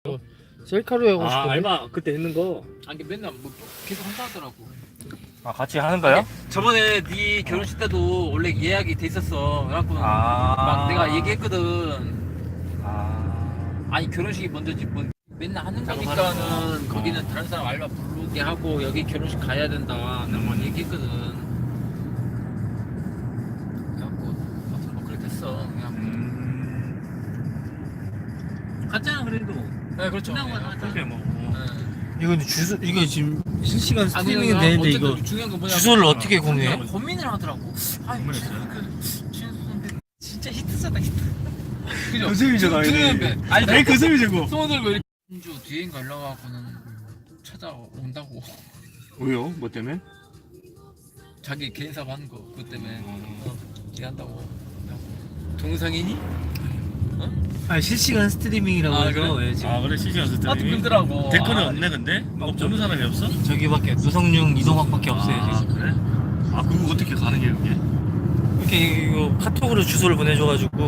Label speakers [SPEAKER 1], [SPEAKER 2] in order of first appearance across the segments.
[SPEAKER 1] 셀카로 하고
[SPEAKER 2] 아
[SPEAKER 1] 싶은데.
[SPEAKER 2] 알바 그때 했는 거.
[SPEAKER 3] 아니 맨날 뭐 계속 한다 하더라고.
[SPEAKER 1] 아 같이 하는 거요?
[SPEAKER 3] 저번에 네 결혼식 때도 원래 예약이 돼 있었어. 그래갖고 막 내가 얘기했거든. 아니 결혼식이 먼저지 뭐 맨날 하는 거니까는 거기는 다른 사람 알바 부르게 하고 여기 결혼식 가야 된다. 내가 막 얘기했거든. 그래갖고 아무튼 뭐 그렇게 됐어. 그냥
[SPEAKER 2] 갔잖아 그래도.
[SPEAKER 3] 네 그렇죠.
[SPEAKER 2] 그렇게 뭐.
[SPEAKER 1] 이거 주소 이거 지금 실시간
[SPEAKER 3] 아니,
[SPEAKER 1] 스트리밍이 되는데
[SPEAKER 3] 어쨌든
[SPEAKER 1] 이거
[SPEAKER 3] 중요한 건 뭐냐면
[SPEAKER 1] 주소를 어떻게 공유해?
[SPEAKER 3] 고민을 하더라고. 아니 진수 선배 진짜 히트잖아 히트. 그죠?
[SPEAKER 2] 선생님이잖아.
[SPEAKER 3] 선배. 아니
[SPEAKER 2] 내 가슴이 저거.
[SPEAKER 3] 손을 들고 이렇게 진주 뒤에인가 연락하고는 찾아온다고.
[SPEAKER 2] 왜요? 뭐 때문에?
[SPEAKER 3] 자기 개인 사업 하는 거 그것 때문에 얘기한다고. 동성이니?
[SPEAKER 1] 아 실시간 스트리밍이라고
[SPEAKER 3] 아,
[SPEAKER 1] 해서
[SPEAKER 3] 그래?
[SPEAKER 1] 예, 지금
[SPEAKER 2] 아 그래 실시간
[SPEAKER 3] 나도
[SPEAKER 2] 스트리밍.
[SPEAKER 3] 그러더라고.
[SPEAKER 2] 댓글은 없네 근데? 없는 사람이 없어?
[SPEAKER 1] 저기밖에 노성용 이동학밖에 없어요 지금.
[SPEAKER 2] 그래? 아 그거 어떻게 가능해 그게?
[SPEAKER 1] 이렇게 이거 카톡으로 주소를 보내줘가지고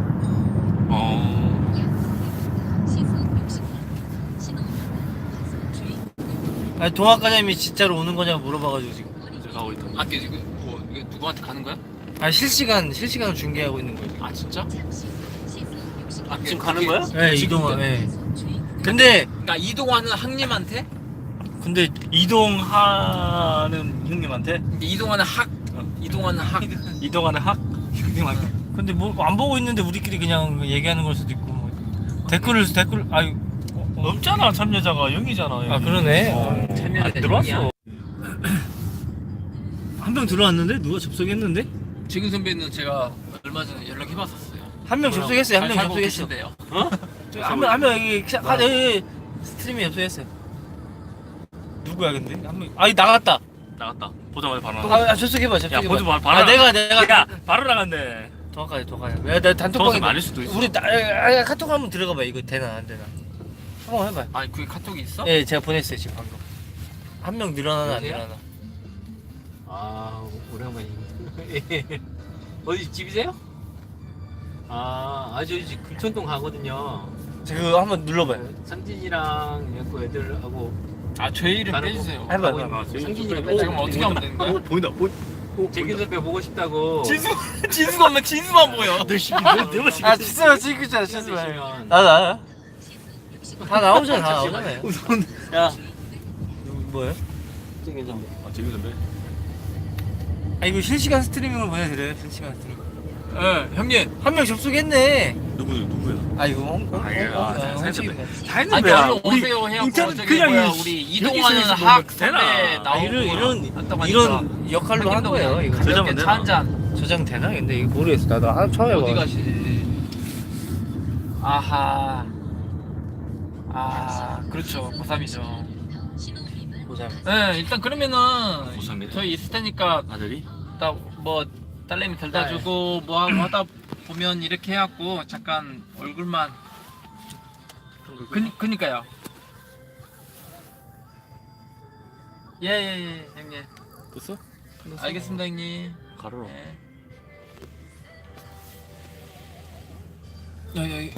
[SPEAKER 1] 아니 동학과장님이 진짜로 오는 거냐고 물어봐가지고 지금.
[SPEAKER 2] 이제 가고 있다.
[SPEAKER 3] 아 지금 뭐 이게 누구한테 가는 거야?
[SPEAKER 1] 아 실시간으로 중계하고 있는 거예요.
[SPEAKER 3] 아 진짜? 아
[SPEAKER 2] 지금 가는 거야?
[SPEAKER 1] 네 이동화. 네. 근데
[SPEAKER 3] 그러니까 이동하는 학님한테?
[SPEAKER 1] 이동하는 형님한테
[SPEAKER 3] 근데 이동하는 학 이동하는 학
[SPEAKER 1] 이동하는 형님한테. 근데 뭐 안 보고 있는데 우리끼리 그냥 얘기하는 걸 수도 있고 뭐. 댓글 아유
[SPEAKER 2] 없잖아 참여자가 0이잖아.
[SPEAKER 1] 아 그러네.
[SPEAKER 3] 참여자
[SPEAKER 2] 들어왔어.
[SPEAKER 1] 한 명 들어왔는데 누가 접속했는데?
[SPEAKER 3] 지금 선배는 제가 얼마 전에 연락해봤었어요.
[SPEAKER 1] 한 명 접속했어요. 한 명
[SPEAKER 3] 살고
[SPEAKER 1] 접속했어.
[SPEAKER 3] 계신데요.
[SPEAKER 1] 한명 여기 여기 스트리밍 접속했어요. 누구야 근데? 한 명. 아니 나갔다.
[SPEAKER 2] 나갔다. 보자마자 바로 나갔다.
[SPEAKER 1] 아 접속해봐. 접속해봐.
[SPEAKER 2] 야 보자 바로
[SPEAKER 1] 아 내가
[SPEAKER 2] 야 바로 나갔네.
[SPEAKER 1] 도와가야. 야, 나 단톡방에
[SPEAKER 2] 정확히 말릴 수도 있어.
[SPEAKER 1] 우리 카톡 한번 들어가봐. 이거 되나 안 되나? 한번 해봐.
[SPEAKER 3] 아니 그게 카톡이 있어?
[SPEAKER 1] 예, 제가 보냈어요 지금 방금. 한 명 늘어나나 안
[SPEAKER 3] 여보세요?
[SPEAKER 1] 늘어나?
[SPEAKER 4] 아 오랜만입니다. 어디 집이세요? 아 저희 집 금천동 가거든요.
[SPEAKER 1] 그거 한번 눌러봐요.
[SPEAKER 4] 상진이랑 얘고 애들하고
[SPEAKER 3] 아 제 이름
[SPEAKER 4] 다른
[SPEAKER 3] 빼주세요.
[SPEAKER 1] 해봐.
[SPEAKER 2] 아,
[SPEAKER 4] 상진이가
[SPEAKER 3] 잠깐만 어떻게 하면 되는 거야?
[SPEAKER 2] 보인다.
[SPEAKER 4] 재균 선배 보고 싶다고.
[SPEAKER 3] 진수가 없는 진수만 보여.
[SPEAKER 1] 아 진짜 지금 있잖아 진짜.
[SPEAKER 4] 드시면
[SPEAKER 1] 다 나오잖아. 다 나오잖아요.
[SPEAKER 4] 야
[SPEAKER 1] 뭐예요?
[SPEAKER 4] 재균 선배.
[SPEAKER 2] 아 재규 선배.
[SPEAKER 1] 아 이거 실시간 스트리밍을 보내드려요. 실시간 스트리밍.
[SPEAKER 3] 예 형님.
[SPEAKER 1] 한 명 접속했네.
[SPEAKER 2] 누구야?
[SPEAKER 1] 아 이거
[SPEAKER 2] 살짝
[SPEAKER 3] 아니
[SPEAKER 2] 살짝
[SPEAKER 3] 얼른 오세요 해갖고 저기 뭐야 우리 이동하는 학 선배 나오고
[SPEAKER 1] 이런 역할로 한 거예요. 이거
[SPEAKER 2] 저장은
[SPEAKER 3] 가볍게
[SPEAKER 2] 되나?
[SPEAKER 3] 차 한잔.
[SPEAKER 1] 저장 되나? 근데 이거 모르겠어. 나도 처음 해봐.
[SPEAKER 3] 어디 가시지? 아하. 아 그렇죠 고3이죠.
[SPEAKER 1] 보자.
[SPEAKER 3] 네 일단 그러면은
[SPEAKER 2] 고3이래?
[SPEAKER 3] 저희 있을 테니까
[SPEAKER 2] 아들이?
[SPEAKER 3] 딱 뭐 딸내미 데려다 주고 뭐 하고 하다 보면 이렇게 해갖고 잠깐 얼굴만 그니까요. 예예예 형님.
[SPEAKER 2] 됐어?
[SPEAKER 3] 알겠습니다 형님.
[SPEAKER 2] 가로로.
[SPEAKER 3] 예. 여기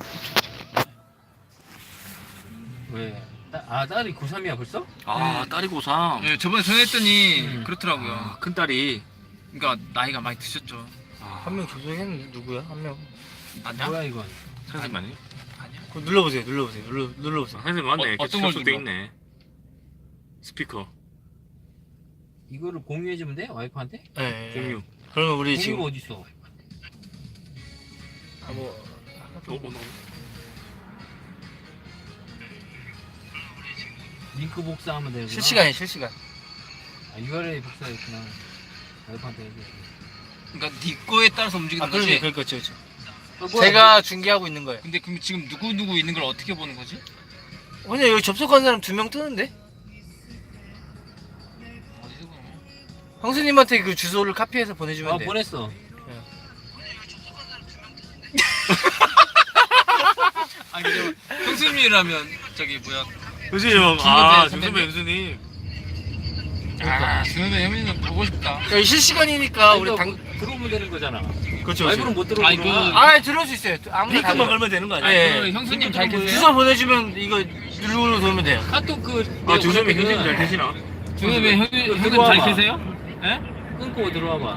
[SPEAKER 4] 왜? 딸이 고3이야 벌써?
[SPEAKER 2] 아 딸이 고3.
[SPEAKER 3] 네, 저번에 전화했더니 그렇더라고요.
[SPEAKER 2] 아, 큰 딸이.
[SPEAKER 3] 그러니까 나이가 많이 드셨죠.
[SPEAKER 1] 한 명 접속했는데 누구야? 한 명.
[SPEAKER 3] 맞냐?
[SPEAKER 4] 뭐야 이건?
[SPEAKER 2] 선생님 아니?
[SPEAKER 3] 아니야.
[SPEAKER 1] 그거 눌러보세요. 눌러보세요.
[SPEAKER 2] 선생님 맞네.
[SPEAKER 3] 어떤 걸
[SPEAKER 2] 접속돼
[SPEAKER 3] 눌러?
[SPEAKER 2] 있네. 스피커.
[SPEAKER 4] 이거를 공유해주면 돼? 와이프한테?
[SPEAKER 1] 네.
[SPEAKER 2] 공유.
[SPEAKER 1] 그러면 우리
[SPEAKER 4] 공유가
[SPEAKER 1] 지금
[SPEAKER 4] 어디 있어? 링크 복사하면 되구나.
[SPEAKER 1] 실시간.
[SPEAKER 4] 아, URL 복사했구나. 와이프한테 얘기해.
[SPEAKER 3] 그러니까 네 거에 따라서 움직이는 거지.
[SPEAKER 1] 그렇죠.
[SPEAKER 4] 뭐야,
[SPEAKER 1] 제가 중계하고 있는 거예요.
[SPEAKER 3] 근데 그럼 지금 누구 있는 걸 어떻게 보는 거지?
[SPEAKER 1] 그냥 여기 접속한 사람 2명 뜨는데?
[SPEAKER 3] 어디서 보는 거야?
[SPEAKER 1] 형수님한테 그 주소를 카피해서 보내주면 돼.
[SPEAKER 4] 보냈어.
[SPEAKER 3] 아니 근데 형수님이라면 저기 뭐야?
[SPEAKER 2] 교수님,
[SPEAKER 3] 아,
[SPEAKER 2] 정선배 교수님.
[SPEAKER 3] 아, 선배 형님은 보고 싶다.
[SPEAKER 1] 여기 실시간이니까 우리
[SPEAKER 4] 들어오면 되는 거잖아.
[SPEAKER 2] 그렇죠.
[SPEAKER 4] 와이프는 못 들어오구나.
[SPEAKER 3] 아니, 그-
[SPEAKER 1] 아 들어올 수 있어요. 아무나 다
[SPEAKER 2] 링크만
[SPEAKER 1] 들어요.
[SPEAKER 2] 걸면 되는 거 아니야?
[SPEAKER 1] 네.
[SPEAKER 3] 그 형수님 잘 계세요?
[SPEAKER 1] 주소 보내주면 이거 누르고 돌면 돼요.
[SPEAKER 3] 카톡
[SPEAKER 2] 아, 조선이 형님 잘 되시나?
[SPEAKER 3] 중섭이 형님
[SPEAKER 4] 들어와봐.
[SPEAKER 3] 잘 계세요? 예?
[SPEAKER 4] 끊고 들어와봐.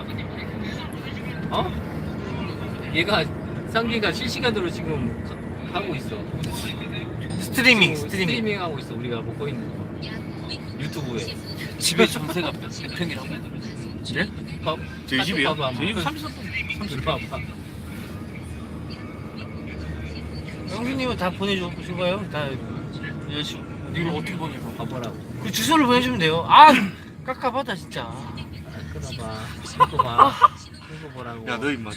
[SPEAKER 4] 어? 얘가 상기가 실시간으로 지금 하고 있어.
[SPEAKER 1] 스트리밍
[SPEAKER 4] 지금
[SPEAKER 1] 스트리밍.
[SPEAKER 4] 스트리밍 하고 있어. 우리가 먹고 있는 거. 유튜브에.
[SPEAKER 3] 집에 전세가 몇 평이라고?
[SPEAKER 2] 네?
[SPEAKER 4] 밥.
[SPEAKER 2] 저희 집이요?
[SPEAKER 4] 밥
[SPEAKER 2] 저희 집
[SPEAKER 3] 30석
[SPEAKER 4] 들어와봐.
[SPEAKER 1] 형수님은 다 보내주신 거예요? 다 여자친구.
[SPEAKER 3] 이걸 어떻게 보내고?
[SPEAKER 4] 봐보라고.
[SPEAKER 1] 그 주소를 보내주면 돼요. 아 깝깝하다 진짜.
[SPEAKER 4] 끊어봐. 끊고 봐. 끊고 보라고.
[SPEAKER 2] 야, 너 임마.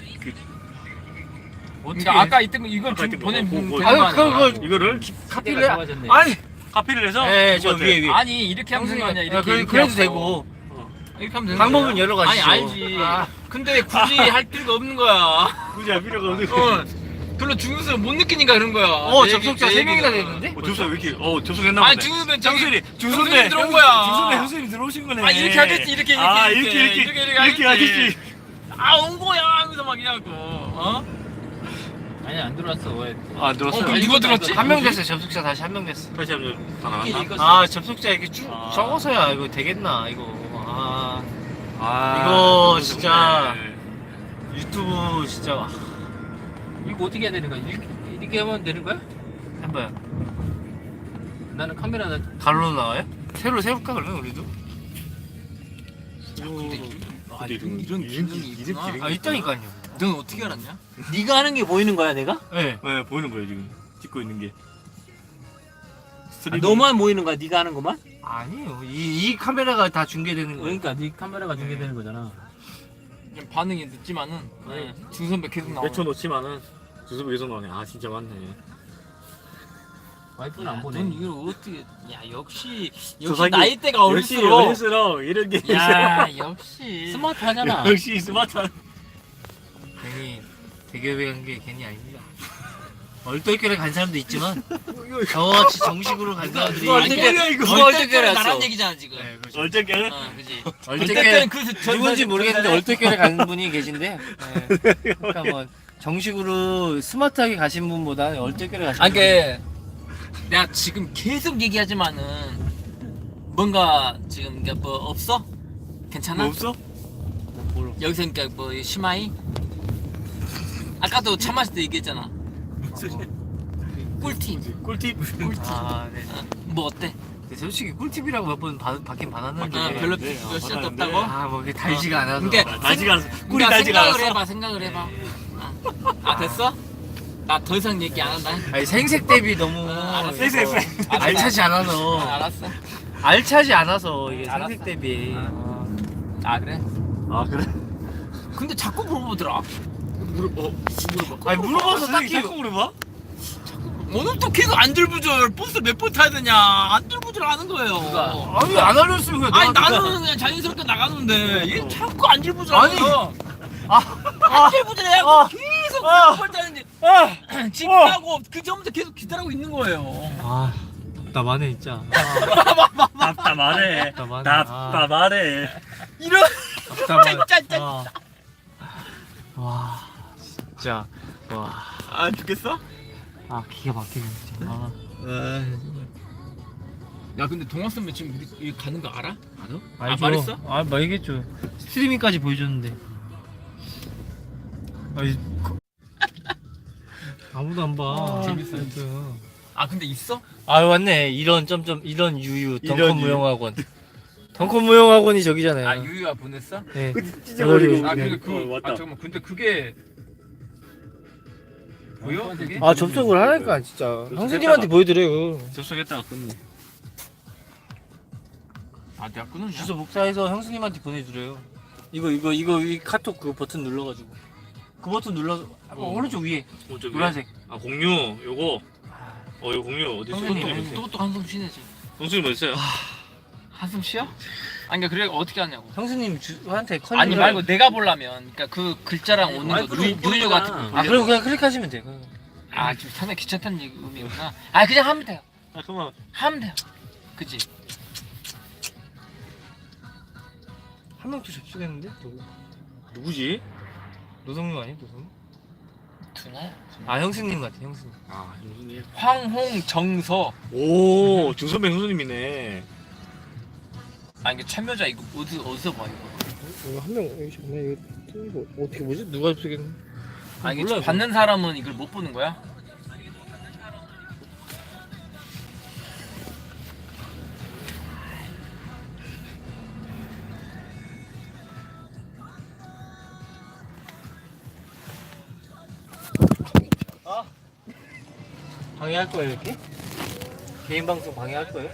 [SPEAKER 1] 어떻게?
[SPEAKER 3] 그러니까 아까 있던 거 이걸
[SPEAKER 2] 아까
[SPEAKER 3] 좀
[SPEAKER 2] 있던 거,
[SPEAKER 3] 보내면
[SPEAKER 2] 뭐,
[SPEAKER 3] 되는 거
[SPEAKER 1] 아유 그거
[SPEAKER 3] 아니야?
[SPEAKER 2] 이거를
[SPEAKER 1] 카피를
[SPEAKER 4] 시대가 좋아졌네.
[SPEAKER 1] 아니.
[SPEAKER 2] 카피를 해서
[SPEAKER 1] 네, 저 위에 위에.
[SPEAKER 3] 아니 이렇게 하면 되는 거 아니야? 이렇게 이렇게
[SPEAKER 1] 그래도
[SPEAKER 3] 하고.
[SPEAKER 1] 되고.
[SPEAKER 3] 이렇게 하면 되는
[SPEAKER 1] 방법은
[SPEAKER 3] 거야.
[SPEAKER 1] 여러 가지죠.
[SPEAKER 3] 아니 알지.
[SPEAKER 1] 아.
[SPEAKER 3] 근데 굳이 할 필요가 없는 거야.
[SPEAKER 2] 굳이 할 필요가 없는 거.
[SPEAKER 3] 어. 별로 중요성을 못 느끼니까 그런 거야. 내
[SPEAKER 1] 접속자
[SPEAKER 3] 얘기- 내
[SPEAKER 1] 3명이나
[SPEAKER 3] 얘기가.
[SPEAKER 1] 되는데?
[SPEAKER 2] 접속 왜 이렇게 접속했나 보네.
[SPEAKER 3] 아니 중섭은
[SPEAKER 2] 정순이
[SPEAKER 3] 정순이 들어온 거야.
[SPEAKER 2] 중순에 형수님 들어오신 거네.
[SPEAKER 3] 아 이렇게 하겠지 이렇게
[SPEAKER 2] 아,
[SPEAKER 3] 이렇게
[SPEAKER 2] 이렇게 하겠지.
[SPEAKER 3] 아온 거야 하면서 막 이래갖고 어?
[SPEAKER 4] 아니 안 들어왔어. 왜?
[SPEAKER 2] 아, 들었어요.
[SPEAKER 3] 그럼 누가 들었지?
[SPEAKER 1] 한 명 됐어요. 접속자 다시 한 명 됐어.
[SPEAKER 2] 다시 한번 다 나갔나?
[SPEAKER 4] 이거
[SPEAKER 1] 아 접속자 이렇게 쭉
[SPEAKER 2] 아.
[SPEAKER 1] 적어서야 이거 되겠나 이거. 아
[SPEAKER 2] 아,
[SPEAKER 1] 이거
[SPEAKER 2] 그거
[SPEAKER 1] 진짜.
[SPEAKER 2] 좋네.
[SPEAKER 1] 유튜브 진짜
[SPEAKER 4] 이거 어떻게 해야 되는 거야? 이렇게 하면 되는 거야?
[SPEAKER 1] 해봐요.
[SPEAKER 4] 나는 카메라
[SPEAKER 1] 가로로 나와요? 새로 세울까 그러면 우리도?
[SPEAKER 3] 아, 이런 기능이 있구나.
[SPEAKER 1] 아 있다니까요.
[SPEAKER 3] 넌 어떻게 알았냐?
[SPEAKER 4] 네가 하는 게 보이는 거야, 내가?
[SPEAKER 1] 네.
[SPEAKER 2] 네, 보이는 거예요 지금 찍고 있는 게.
[SPEAKER 4] 너만 보이는 거야, 네가 하는 것만?
[SPEAKER 1] 아니에요. 이 카메라가 다 중계되는 거예요.
[SPEAKER 4] 그러니까 네 카메라가 중계되는 거잖아.
[SPEAKER 3] 좀 반응이 늦지만은
[SPEAKER 2] 네.
[SPEAKER 3] 중선배 계속 나와.
[SPEAKER 2] 몇초 놓치면은 주소비 계속 나오네. 아 진짜 많네.
[SPEAKER 4] 와이프는 안 보네.
[SPEAKER 3] 넌 이걸 어떻게? 야 역시
[SPEAKER 2] 조상이-
[SPEAKER 3] 나이대가
[SPEAKER 2] 역시
[SPEAKER 3] 어릴수록.
[SPEAKER 2] 어릴수록 이런 게
[SPEAKER 3] 야 역시.
[SPEAKER 4] 스마트 하잖아.
[SPEAKER 2] 역시 스마트한.
[SPEAKER 1] 괜히 대기업에 간 게 괜히 아닙니다. 얼떨결에 간 사람도 있지만 저같이 정식으로 간 사람들이
[SPEAKER 2] 이거 얼떨결이야, 이거.
[SPEAKER 1] 누가 얼떨결에
[SPEAKER 3] 얼떨결에
[SPEAKER 1] 갔어?
[SPEAKER 3] 나란 얘기잖아 지금.
[SPEAKER 1] 네, 그렇죠.
[SPEAKER 2] 어쨌게
[SPEAKER 3] 어, 그지.
[SPEAKER 1] 얼떨결에
[SPEAKER 3] 그
[SPEAKER 1] 누군지 모르겠는데 얼떨결에 간 분이 계신데 네. 그러니까 뭐 정식으로 스마트하게 가신 분보다 얼떨결에 가신
[SPEAKER 3] 아니
[SPEAKER 1] 분이
[SPEAKER 3] 그 내가 지금 계속 얘기하지만은 뭔가 지금 그러니까 뭐 없어? 괜찮아?
[SPEAKER 2] 뭐 없어?
[SPEAKER 3] 여기서 그러니까 뭐 심하이? 아까도 차 마실 때 얘기했잖아. 꿀팁.
[SPEAKER 2] 꿀팁.
[SPEAKER 1] 아, 네.
[SPEAKER 3] 뭐 어때?
[SPEAKER 1] 근데 솔직히 꿀팁이라고 몇 번 받긴 받았는데
[SPEAKER 3] 아, 별로
[SPEAKER 2] 네,
[SPEAKER 3] 몇 시간도
[SPEAKER 2] 받았는데.
[SPEAKER 3] 없다고?
[SPEAKER 1] 아, 뭐 그게 달지가 않아서
[SPEAKER 3] 그러니까
[SPEAKER 2] 달지가 않았어. 꿀이
[SPEAKER 3] 그러니까
[SPEAKER 2] 달지가
[SPEAKER 3] 생각을
[SPEAKER 2] 않았어.
[SPEAKER 3] 해봐 생각을 해봐. 아 됐어? 나 더 이상 얘기 안 한다.
[SPEAKER 1] 아니 생색 대비 너무
[SPEAKER 3] 알았어.
[SPEAKER 2] 생색.
[SPEAKER 1] 알차지 않아서
[SPEAKER 3] 알았어.
[SPEAKER 1] 알차지 않아서 이게
[SPEAKER 3] 알았어.
[SPEAKER 1] 생색 대비
[SPEAKER 3] 아 그래?
[SPEAKER 2] 아 그래?
[SPEAKER 3] 근데 자꾸 물어보더라.
[SPEAKER 2] 물어봐.
[SPEAKER 1] 아니 물어봐서 딱히
[SPEAKER 2] 자꾸 물어봐?
[SPEAKER 3] 오늘 또 계속 안절부절 버스 몇 번 타야 되냐 안절부절 하는 거예요.
[SPEAKER 1] 아니 안 알렸으면 그냥
[SPEAKER 3] 아니
[SPEAKER 1] 나한테
[SPEAKER 3] 나는 그냥 자연스럽게 나가는데 얘 자꾸 안절부절
[SPEAKER 1] 아니.
[SPEAKER 3] 하는
[SPEAKER 1] 아,
[SPEAKER 3] 안절부절 해갖고
[SPEAKER 1] 아.
[SPEAKER 3] 계속
[SPEAKER 1] 아.
[SPEAKER 3] 몇번 타는데
[SPEAKER 1] 아,
[SPEAKER 3] 집하고 그 전부터 계속 기다리고 있는 거예요.
[SPEAKER 1] 아 답답하네 진짜
[SPEAKER 2] 답답하네.
[SPEAKER 1] 답답하네.
[SPEAKER 2] 답답하네.
[SPEAKER 3] 이런
[SPEAKER 1] 답답하네
[SPEAKER 3] 진짜.
[SPEAKER 1] 와 진짜
[SPEAKER 2] 아 죽겠어?
[SPEAKER 1] 와 기가 막히네 진짜
[SPEAKER 3] 야 근데 동학 선배 지금 우리 가는 거 알아? 알아?
[SPEAKER 1] 알죠.
[SPEAKER 3] 말했어?
[SPEAKER 1] 아 말했겠죠. 스트리밍까지 보여줬는데. 아니, 아무도 안 봐.
[SPEAKER 3] 재밌어.
[SPEAKER 1] 하여튼.
[SPEAKER 3] 아 근데 있어?
[SPEAKER 1] 아 맞네. 이런 점점 이런 유유
[SPEAKER 2] 이런
[SPEAKER 1] 덩컨
[SPEAKER 2] 유유.
[SPEAKER 1] 무용학원. 덩컨 무용학원이 저기잖아요.
[SPEAKER 3] 아 유유가 보냈어?
[SPEAKER 1] 네.
[SPEAKER 2] 찢어버리고.
[SPEAKER 3] 아
[SPEAKER 1] 네.
[SPEAKER 3] 근데 그
[SPEAKER 2] 맞다.
[SPEAKER 3] 아 잠깐만 근데 그게 보여? 그게?
[SPEAKER 1] 아 접속을 하니까 진짜. 형수님한테 보여드려요.
[SPEAKER 2] 접속했다가 끊네.
[SPEAKER 3] 아 내가 끊었냐?
[SPEAKER 1] 주소 복사해서 형수님한테 보내드려요. 이 카톡 그 버튼 눌러가지고. 그 버튼 눌러서 오른쪽 위에
[SPEAKER 2] 오른쪽
[SPEAKER 1] 노란색.
[SPEAKER 2] 아 공유 요거. 이거 공유 어디 있어?
[SPEAKER 1] 형수님.
[SPEAKER 3] 또 한숨 쉬내지.
[SPEAKER 2] 동수님 어디 있어요?
[SPEAKER 3] 한숨 쉬어? 아니 그러니까 그래 어떻게 하냐고.
[SPEAKER 1] 형수님 한테 컨.
[SPEAKER 3] 아니 말고 내가 보려면 그러니까 그 글자랑 오는 거
[SPEAKER 4] 와이프는 못
[SPEAKER 3] 누유
[SPEAKER 4] 보잖아.
[SPEAKER 3] 같은 거.
[SPEAKER 1] 아 그럼 그냥 클릭하시면 돼요.
[SPEAKER 3] 아 지금 상당히 귀찮다는 의미구나. 아 그냥 하면 돼요.
[SPEAKER 2] 아 그만.
[SPEAKER 3] 하면 돼요. 그치?
[SPEAKER 1] 한 명 또 접속했는데?
[SPEAKER 2] 누구지?
[SPEAKER 1] 노성님 아니야? 노성님?
[SPEAKER 3] 두나야?
[SPEAKER 1] 아 형수님 같아 형수님.
[SPEAKER 2] 아 형수님.
[SPEAKER 3] 황홍정서.
[SPEAKER 2] 오 중선배 형수님이네.
[SPEAKER 3] 아 이게 참여자 이거 어디서 봐 이거?
[SPEAKER 1] 이거 한 명 여기 있네. 이거 어떻게 보지? 누가 쓰겠네?
[SPEAKER 3] 아 이게
[SPEAKER 1] 몰라,
[SPEAKER 3] 받는 사람은 이걸 못 보는 거야?
[SPEAKER 1] 방해할 거예요 이렇게? 개인 방송 방해할 거예요?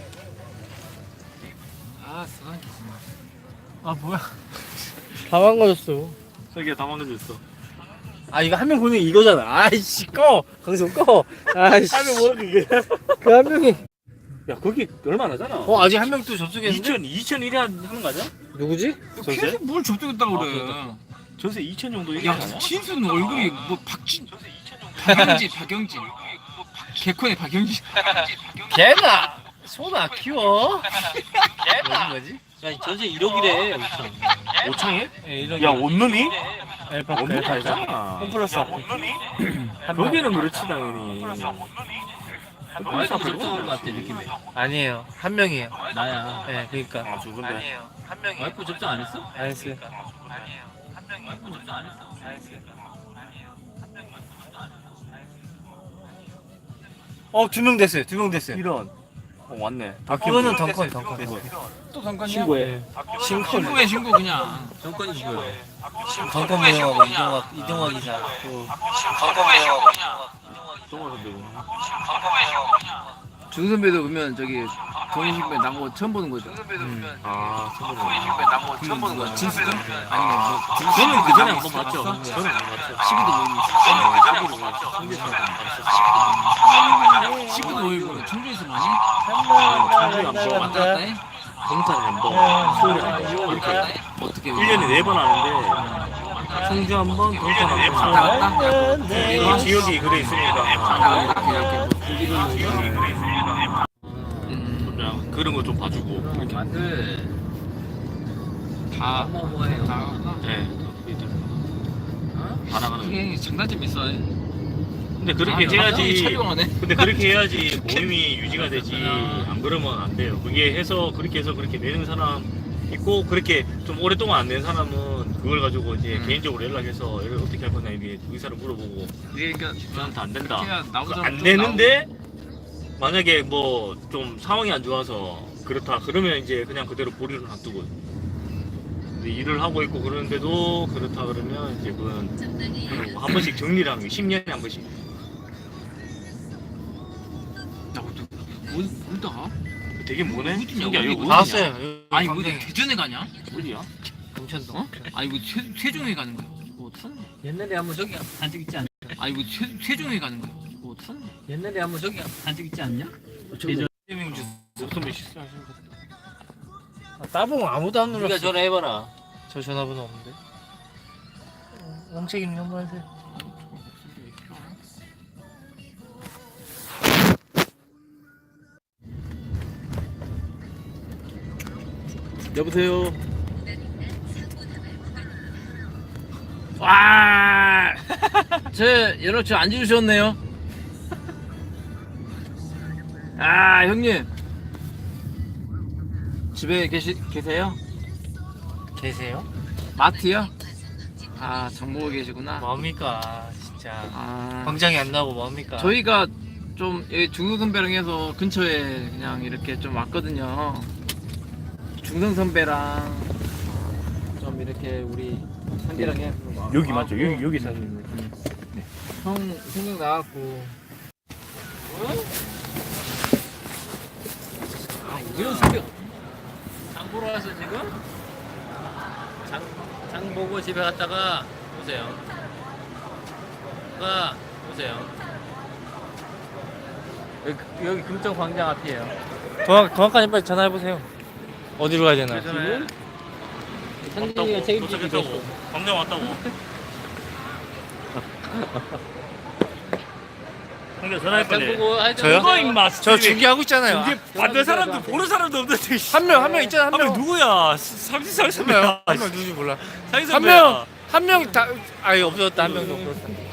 [SPEAKER 3] 아 쓰나기.
[SPEAKER 1] 아 뭐야? 다 망가졌어.
[SPEAKER 2] 저기가 다 망가졌어.
[SPEAKER 1] 아 이거 한 명 보는 게 이거잖아. 아이씨 꺼 방송 꺼. 아이씨.
[SPEAKER 2] 하면 뭐야 그게?
[SPEAKER 1] 그 한 명이.
[SPEAKER 2] 야 거기 얼마 안 하잖아.
[SPEAKER 1] 아직 한 명 또 접속했는데?
[SPEAKER 2] 2001에 하는 거 아니야?
[SPEAKER 1] 누구지?
[SPEAKER 2] 전세?
[SPEAKER 3] 계속 뭘 접촉했다고 그래.
[SPEAKER 2] 전세 2000 정도
[SPEAKER 3] 야
[SPEAKER 2] 얘기하잖아.
[SPEAKER 3] 진수는 얼굴이 뭐 박영진. 개콘의 박영진.
[SPEAKER 1] 걔나 소나 키워. 걔나 뭐지? 야 전세 1억이래.
[SPEAKER 2] 오창에?
[SPEAKER 1] 예 1억.
[SPEAKER 2] 야 원룸이?
[SPEAKER 1] 엘파크
[SPEAKER 2] 원룸
[SPEAKER 1] 엘파크.
[SPEAKER 2] 알잖아.
[SPEAKER 1] 홈플러스 앞에.
[SPEAKER 2] 거기는 그렇지 당연히.
[SPEAKER 4] 와이프 접촉한 것 같아 느낌이.
[SPEAKER 1] 아니에요 한 명이에요.
[SPEAKER 4] 나야.
[SPEAKER 1] 예 그러니까.
[SPEAKER 2] 아 죽은데.
[SPEAKER 1] 아니에요 한 명이.
[SPEAKER 4] 와이프 접촉 안 했어?
[SPEAKER 1] 안 했어요.
[SPEAKER 3] 아니에요. 한 명이.
[SPEAKER 4] 와이프 접촉 안 했어?
[SPEAKER 1] 안 했어요. 두 명 됐어요. 2명 됐어요.
[SPEAKER 2] 이런. 왔네.
[SPEAKER 1] 그거는 덩컨 덩컨.
[SPEAKER 3] 또 잠깐이야?
[SPEAKER 2] 친구해.
[SPEAKER 3] 신고해 신고 그냥.
[SPEAKER 4] 정권이 뭐야?
[SPEAKER 1] 덩컨 무용하고 이동학 이사. 또 덩컨 무용하고
[SPEAKER 2] 정말 선배구나.
[SPEAKER 3] 중 선배도 보면 저기 동인신배 나고 처음 보는 거죠.
[SPEAKER 2] 아 선배님.
[SPEAKER 3] 나고 처음 보는 거야. 진수도? 아니면 뭐
[SPEAKER 2] 저는 그 전에 한번 봤죠. 저는 안 봤죠.
[SPEAKER 3] 시기도 모임이 있어. 시기도 모임이 청주에서 많이? 왔다 갔다 해?
[SPEAKER 2] 동탄 한번, 수요일에 한 번. 이렇게
[SPEAKER 3] 어떻게
[SPEAKER 2] 1년에 4번 하는데 청주 한 번, 동탄 한 번.
[SPEAKER 3] 왔다 갔다?
[SPEAKER 2] 이 지역이 그래 있으니까 그냥 그런 거 좀 봐주고.
[SPEAKER 4] 만들
[SPEAKER 3] 다
[SPEAKER 4] 어마어마해요.
[SPEAKER 2] 네. 다 나가는.
[SPEAKER 3] 이게 장단점 있어.
[SPEAKER 2] 근데 그렇게 해야지.
[SPEAKER 3] 촬영하네.
[SPEAKER 2] 근데 그렇게 해야지 모임이 유지가 되지. 안 그러면 안 돼요. 그게 해서 그렇게 내는 사람 있고 그렇게 좀 오랫동안 안 낸 사람은 그걸 가지고 이제 개인적으로 연락해서 이걸 어떻게 할 거냐 이게 의사를 물어보고
[SPEAKER 3] 그러니까
[SPEAKER 2] 저한테 안 된다.
[SPEAKER 3] 나오자
[SPEAKER 2] 안 되는데 만약에 뭐 좀 상황이 안 좋아서 그렇다 그러면 이제 그냥 그대로 보류를 놔두고 근데 일을 하고 있고 그러는데도 그렇다 그러면 이제 그건 한 번씩 정리를 하는 게 10년에 한 번씩.
[SPEAKER 3] 어디다가?
[SPEAKER 2] 되게 뭐네?
[SPEAKER 3] 어디냐,
[SPEAKER 2] 신기하다.
[SPEAKER 3] 어디,
[SPEAKER 2] 이거
[SPEAKER 3] 어디냐?
[SPEAKER 1] 나왔어요.
[SPEAKER 3] 아니 뭐 대전에 가냐?
[SPEAKER 2] 어디야?
[SPEAKER 1] 금천동.
[SPEAKER 3] 어? 아니 뭐 세종에 가는 거야? 뭐 어떡하냐?
[SPEAKER 4] 옛날에 한번 저기 단적 있지 않냐?
[SPEAKER 3] 아니 뭐 세종에 가는 거야? 뭐 어떡하냐?
[SPEAKER 4] 옛날에 한번 저기 단적 있지 않냐?
[SPEAKER 1] 예전
[SPEAKER 2] 목소리 실수하신 거.
[SPEAKER 1] 따봉 아무도 안 눌렀어.
[SPEAKER 4] 네가 전화해봐라.
[SPEAKER 1] 저 전화번호 없는데. 홍책임님 한번 하세요.
[SPEAKER 2] 여보세요.
[SPEAKER 3] 와, 제 연락처 안 주셨네요. 아 형님 집에 계세요?
[SPEAKER 1] 계세요?
[SPEAKER 3] 마트요? 아 장보고 계시구나.
[SPEAKER 1] 뭡니까 진짜.
[SPEAKER 3] 아
[SPEAKER 1] 광장이 안 나오고 뭡니까?
[SPEAKER 3] 저희가 좀 여기 중성 선배랑 해서 근처에 그냥 이렇게 좀 왔거든요. 중성 선배랑 좀 이렇게 우리 선배랑 해.
[SPEAKER 2] 여기 맞죠? 여기 사는.
[SPEAKER 3] 형 생각 나왔고.
[SPEAKER 4] 아 이런 새벽. 장 보러 왔어 지금? 장 보고 집에 갔다가 오세요. 오세요.
[SPEAKER 1] 여기 금정 광장 앞이에요. 동학관님 빨리 전화해 보세요. 어디로 가야 되나?
[SPEAKER 4] 지금? 상진이가 책임지기
[SPEAKER 2] 도착했다고. 광장 왔다고. 형님 전화할
[SPEAKER 4] 장
[SPEAKER 2] 거네.
[SPEAKER 4] 보고 하여튼
[SPEAKER 1] 저요?
[SPEAKER 2] 누가 임마?
[SPEAKER 1] 저 중계하고 있잖아요.
[SPEAKER 2] 받는 사람도 보는 사람도 없는데.
[SPEAKER 1] 한 명 있잖아.
[SPEAKER 2] 한 명 누구야? 상진
[SPEAKER 1] 한 명 누구지 몰라.
[SPEAKER 2] 상진
[SPEAKER 1] 한
[SPEAKER 2] 선배야.
[SPEAKER 1] 명 한 명 다 아예 없어졌다. 한 명도 없어졌다.